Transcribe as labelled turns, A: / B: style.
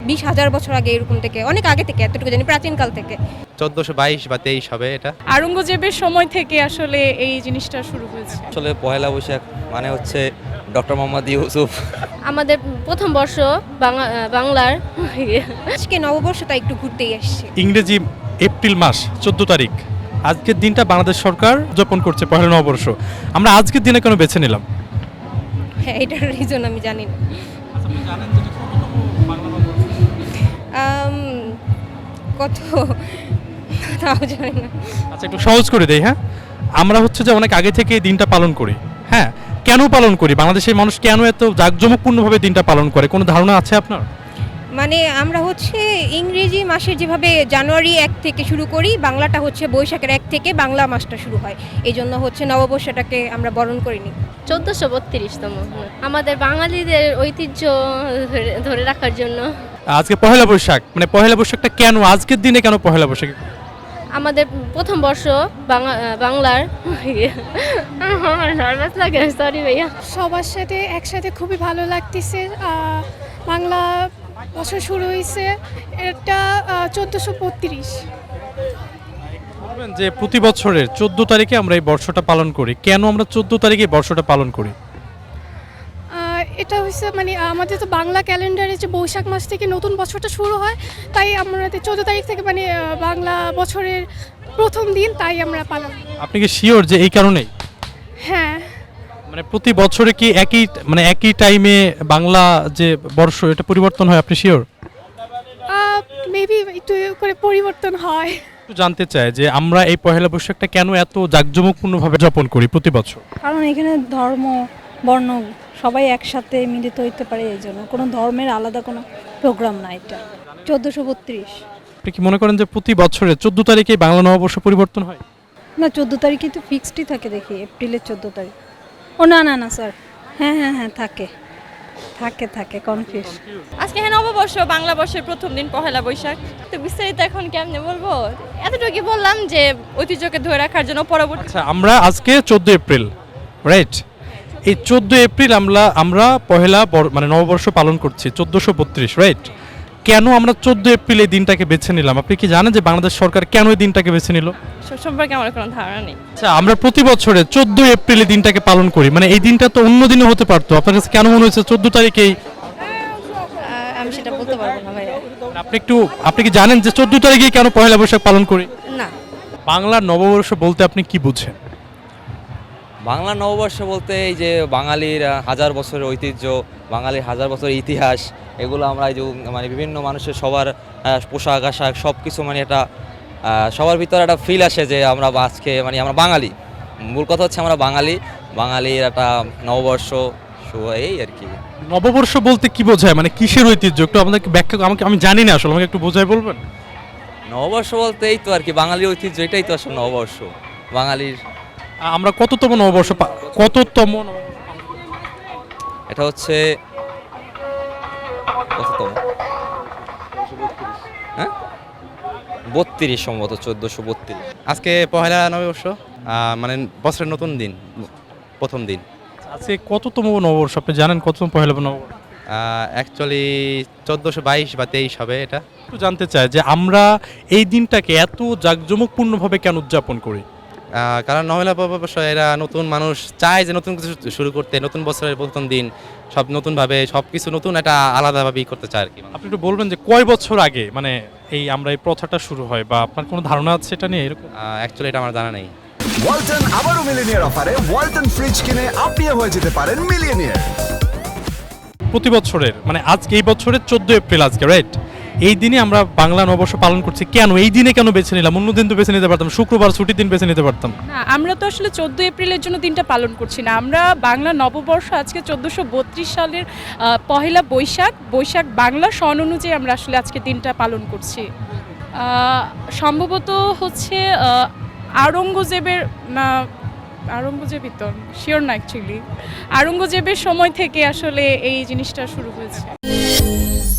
A: 20,000 বছর আগে, এরকম থেকে অনেক আগে থেকে, এতটুকু জানি প্রাচীনকাল থেকে।
B: 1422 বা 23 হবে এটা।
C: আওরঙ্গজেবের সময় থেকে আসলে এই জিনিসটা শুরু হয়েছে।
D: আসলে পহেলা বৈশাখ মানে হচ্ছে ডক্টর মোহাম্মদ ইউসুফ।
E: আমাদের প্রথম বর্ষ বাংলার
A: আজকে নববর্ষটা একটু ঘুরতেই আসছি।
F: ইংরেজি এপ্রিল মাস 14 তারিখ আজকের দিনটা বাংলাদেশ সরকার উদযাপন করছে পহেলা নববর্ষ। আমরা আজকের দিনে কেন বেছে নিলাম?
A: হ্যাঁ, এটার রিজন আমি জানি না। কত তাও জানি না।
F: আচ্ছা, একটু সহজ করে দেই। হ্যাঁ, আমরা হচ্ছে যে অনেক আগে থেকে এই দিনটা পালন করি। হ্যাঁ, কেন পালন করি? বাংলাদেশের মানুষ কেন এত জাঁকজমকপূর্ণভাবে দিনটা পালন করে, কোনো ধারণা আছে আপনার?
A: মানে আমরা হচ্ছে ইংরেজি মাসের যেভাবে জানুয়ারি 1 থেকে শুরু করি, বাংলাটা হচ্ছে বৈশাখের 1 থেকে বাংলা মাসটা শুরু হয়, এই জন্য হচ্ছে নববর্ষটাকে আমরা বরণ করিনি।
E: 1432তম আমাদের বাঙালিদের ঐতিহ্য ধরে রাখার জন্য।
F: আজকে পহেলা বৈশাখ, মানে পহেলা বৈশাখটা কেন আজকের দিনে, কেন পহেলা বৈশাখ?
E: আমাদের প্রথম বর্ষ বাংলার লাগে, সরি ভাইয়া।
G: সবার সাথে একসাথে খুবই ভালো লাগতেছে। বাংলা বছর শুরু হয়েছে, এটা 1432।
F: বলবেন যে প্রতি বছরের 14 তারিখে আমরা এই বর্ষটা পালন করি, কেন আমরা 14 তারিখে এই বর্ষটা পালন করি?
G: এটা হচ্ছে মানে আমাদের তো বাংলা ক্যালেন্ডারে যে বৈশাখ মাস থেকে নতুন বছরটা শুরু হয়, তাই আমাদের 14 তারিখ থেকে মানে বাংলা বছরের প্রথম দিন, তাই আমরা পালন।
F: আপনি কি শিওর যে এই কারণেই?
G: হ্যাঁ,
F: মানে প্রতি বছরে কি একই টাইমে বাংলা যে বর্ষ এটা পরিবর্তন হয়, আপনি শিওর?
G: মেবি একটু করে পরিবর্তন হয়।
F: একটু জানতে চাই যে আমরা এই পহেলা বৈশাখটা কেন এত জাঁকজমকপূর্ণভাবে যাপন করি প্রতি বছর?
H: কারণ এখানে ধর্ম বর্ণ সবাই একসাথে মিলিত হইতে পারে, এই জন্য কোনো ধর্মের আলাদা কোনো প্রোগ্রাম না। এটা 1432।
F: আপনি কি মনে করেন যে প্রতি বছরে 14 তারিখে বাংলা নববর্ষ পরিবর্তন হয়?
H: না, 14 তারিখে তো ফিক্সডই থাকে, দেখি এপ্রিলের 14 তারিখ। ও না না না স্যার, হ্যাঁ হ্যাঁ হ্যাঁ, থাকে থাকে থাকে কনফিউজ।
C: আজকে হ্যাঁ নববর্ষ, বাংলা বর্ষের প্রথম দিন পহেলা বৈশাখ। তো বিস্তারিত এখন কেমনে বলবো, এতটুকু বললাম যে ঐতিহ্যকে ধরে রাখার জন্য পরবর্তী।
F: আচ্ছা, আমরা আজকে 14 এপ্রিল, রাইট? এই 14 এপ্রিল আমরা পহেলা মানে নববর্ষ পালন করছি 1432, রাইট? কেন আমরা 14 এপ্রিল এই দিনটাকে বেছে নিলাম? আপনি কি জানেন যে বাংলাদেশ সরকার কেন এই দিনটাকে বেছে নিল?
C: সম্পর্কে আমার কোনো ধারণা নেই।
F: আচ্ছা, আমরা প্রতি বছরে 14 এপ্রিল এই দিনটাকে পালন করি, মানে এই দিনটা তো অন্য দিনে হতে পারতো। আপনার কাছে কেন মনে হয়েছে 14 তারিখেই?
E: আমি সেটা বলতে পারবো না ভাইয়া।
F: আপনি কি জানেন যে 14 তারিখে কেন পহেলা বৈশাখ পালন করি?
E: না।
F: বাংলার নববর্ষ বলতে আপনি কি বুঝেন?
D: বাংলা নববর্ষ বলতে এই যে বাঙালির হাজার বছরের ঐতিহ্য, বাঙালির হাজার বছরের ইতিহাস, এগুলো আমরা এই যে মানে বিভিন্ন মানুষের সবার পোশাক আশাক সব কিছু মানে একটা সবার ভিতরে একটা ফিল আসে যে আমরা আজকে মানে আমরা বাঙালি। মূল কথা হচ্ছে আমরা বাঙালির একটা নববর্ষ, এই আর কি।
F: নববর্ষ বলতে কি বোঝায়, মানে কিসের ঐতিহ্য একটু আমাদেরকে ব্যাখ্যা, আমি জানি না আসলে, আমাকে একটু বোঝায় বলবেন?
D: নববর্ষ বলতে এই তো আর কি বাঙালির ঐতিহ্য, এটাই তো আসলে নববর্ষ বাঙালির।
F: আমরা কততম নববর্ষ কততম?
D: এটা হচ্ছে কততম? হ্যাঁ, 32 সম্ভবত, 1432।
B: আজকে পহেলা নববর্ষ, মানে বছরের নতুন দিন, প্রথম দিন।
F: আজকে কততম নববর্ষ আপনি জানেন? কততম পহেলা নববর্ষ?
B: অ্যাকচুয়ালি 1422 বা 23 হবে এটা।
F: একটু জানতে চাই যে আমরা এই দিনটাকে এত জাঁকজমকপূর্ণভাবে কেন উদযাপন করি?
B: কারণ নবলা নববর্ষ এরা নতুন মানুষ চায় যে নতুন কিছু শুরু করতে, নতুন বছরের প্রথম দিন সব নতুনভাবে সব কিছু নতুন একটা আলাদাভাবেই করতে চায় আর কি।
F: আপনি একটু বলবেন যে কয় বছর আগে মানে আমরা এই প্রথাটা শুরু হয়, বা আপনার কোনো ধারণা আছে এটা নিয়ে? এরকম
B: অ্যাকচুয়ালি এটা আমার জানা নেই।
I: ওয়ালটন আবারও মিলিয়নিয়ার অফারে ওয়ালটন ফ্রিজ কিনে আপনিও হয়ে যেতে পারেন মিলিয়নিয়ার।
F: প্রতি বছরের মানে আজকে এই বছরের 14 এপ্রিল আজকে, রাইট? এই দিনে আমরা বাংলা নববর্ষ পালন করছি, কেন এই দিনে কেন বেছে নিলাম? অন্য দিন তো বেছে নিতে পারতাম, শুক্রবার ছুটির দিন বেছে নিতে পারতাম।
C: না, আমরা তো আসলে 14 এপ্রিলের জন্য দিনটা পালন করছি না। আমরা বাংলা নববর্ষ আজকে 1432 সালের পহেলা বৈশাখ বাংলা সন অনুযায়ী আমরা আসলে আজকে দিনটা পালন করছি। সম্ভবত হচ্ছে আওরঙ্গজেবের আওরঙ্গজেবই তো, শিওর না অ্যাকচুয়ালি, আওরঙ্গজেবের সময় থেকে আসলে এই জিনিসটা শুরু হয়েছে।